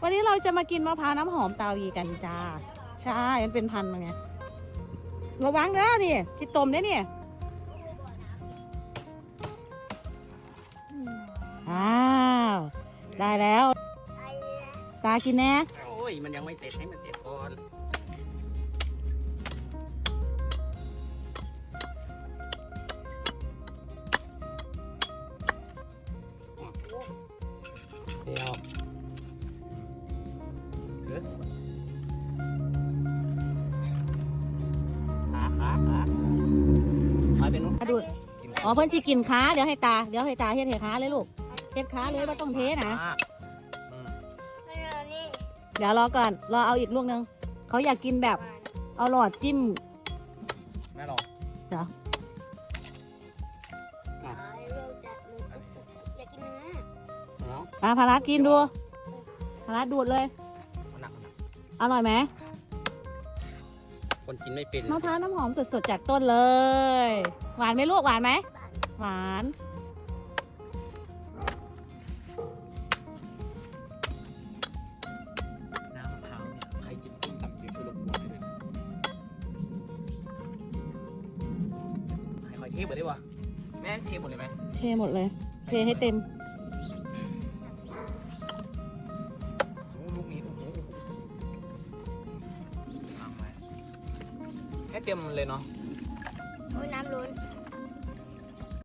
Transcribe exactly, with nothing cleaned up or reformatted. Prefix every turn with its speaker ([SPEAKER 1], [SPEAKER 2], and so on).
[SPEAKER 1] วันนี้เราจะมากินมะพร้าวน้ำหอมเตาอีกันจ้าใช่มันเป็นพันธุ์ไงระวังเด้อนี่คิดต้มได้เนี่ยอ้าวได้แล้วตากินแน่
[SPEAKER 2] โอ้ยมันยังไม่เสร็จให้มันเสร็จก่อนเดี๋ยวเออขาขาขาไปเป็นนู้น
[SPEAKER 1] ดูดอ๋อเพิ่นสิกินขาเดี๋ยวให้ตาเดี๋ยวให้ตาเฮ็ดให้ขาเลยลูกเฮ็ดขาเลยว่าต้องเทนะเดี๋ยวรอก่อนรอเอาอีกลูกนึงเขาอยากกินแบบเอาหลอดจิ้ม
[SPEAKER 2] แม่ลอง
[SPEAKER 1] เดี๋ยว
[SPEAKER 3] อยากกินเนื้อ
[SPEAKER 1] ตาพารากินดูพาราดูดเลย
[SPEAKER 2] มันหนักมันหนัก
[SPEAKER 1] อร่อยไหม
[SPEAKER 2] คนกินไม่เป็น
[SPEAKER 1] มะพร้าวน้ำหอมสดๆจากต้นเลย หวานไหมลูกหวานไหมหวาน
[SPEAKER 2] น้ำมะพร้าวเนี่ยใครกินต้มตำกินชูรสบัวเลยให้คอยเทหมดได้ปะแม่เทหมดเลยไหม
[SPEAKER 1] เทหมดเลย เทให้เต็ม
[SPEAKER 2] โอ้ลูกนี้โอ้โหวางไว้ให้เต็มเลยเนาะ